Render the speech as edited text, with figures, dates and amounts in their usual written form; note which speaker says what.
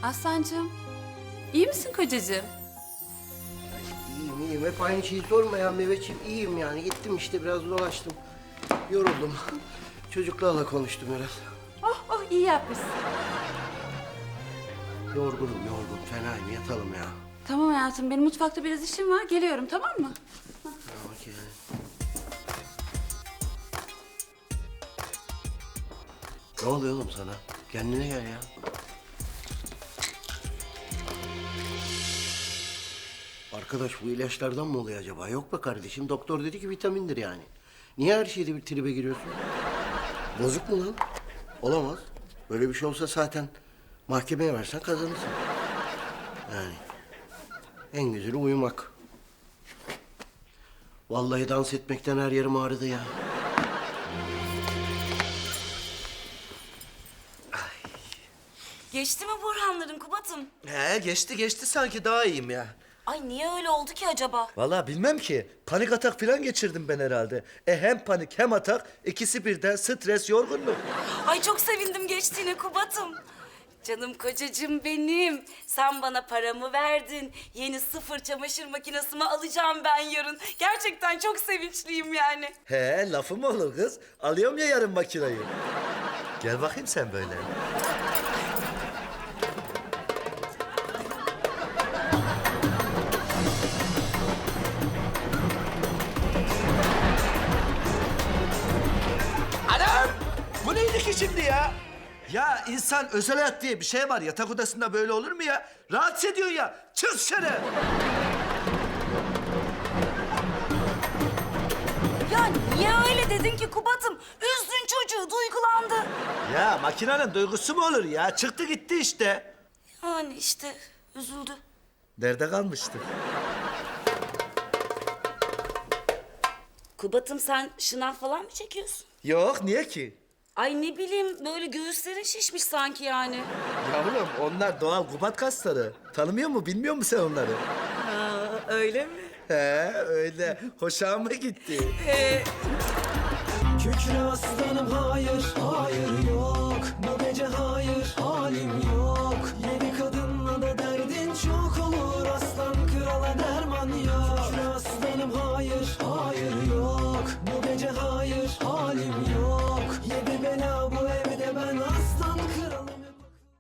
Speaker 1: Aslancığım, iyi misin kocacığım?
Speaker 2: İyiyim. Hep aynı şeyi sorma ya Mehmetciğim. İyiyim yani. Gittim işte biraz dolaştım. Yoruldum. Çocuklarla konuştum biraz.
Speaker 1: Oh iyi yapmışsın.
Speaker 2: Yorgun. Fenayım. Yatalım ya.
Speaker 1: Tamam hayatım, benim mutfakta biraz işim var. Geliyorum, tamam mı?
Speaker 2: Okey. Ne oluyor oğlum sana? Kendine gel ya. Arkadaş bu ilaçlardan mı oluyor acaba? Yok be kardeşim. Doktor dedi ki vitamindir yani. Niye her şeyde bir tribe giriyorsun? Bozuk mu lan? Olamaz. Böyle bir şey olsa zaten mahkemeye versen kazanırsın. Yani en güzeli uyumak. Vallahi dans etmekten her yerim ağrıdı ya.
Speaker 3: Geçti mi Burhanların Kubat'ım?
Speaker 4: He geçti sanki daha iyiyim ya.
Speaker 3: Ay niye öyle oldu ki acaba?
Speaker 4: Vallahi bilmem ki. Panik atak falan geçirdim ben herhalde. Hem panik hem atak ikisi birden stres yorgunluk.
Speaker 3: Ay çok sevindim geçtiğine Kubat'ım. Canım kocacığım benim. Sen bana paramı verdin. Yeni sıfır çamaşır makinesimi alacağım ben yarın. Gerçekten çok sevinçliyim yani.
Speaker 4: He lafı mı olur kız? Alıyorum ya yarın makinayı. Gel bakayım sen böyle. Anam! Bu neydi ki şimdi ya? Ya insan özel hayat diye bir şey var. Yatak odasında böyle olur mu ya? Rahatsız ediyor ya. Çık dışarı.
Speaker 3: Ya niye öyle dedin ki Kubat'ım? Üzdün çocuğu, duygulandı.
Speaker 4: Ya makinenin duygusu mu olur ya? Çıktı gitti işte.
Speaker 3: Yani işte üzüldü.
Speaker 4: Nerede kalmıştı?
Speaker 3: Kubat'ım sen şınav falan mı çekiyorsun?
Speaker 4: Yok, niye ki?
Speaker 3: Ay ne bileyim böyle göğüslerin şişmiş sanki yani.
Speaker 4: Yavrum onlar doğal kubat kasları. Tanımıyor mu, bilmiyor musun sen onları?
Speaker 3: Öyle mi?
Speaker 4: He öyle. Hoşuma gitti.
Speaker 5: Kükre aslanım hayır, hayır yok. Bu gece hayır, halim yok.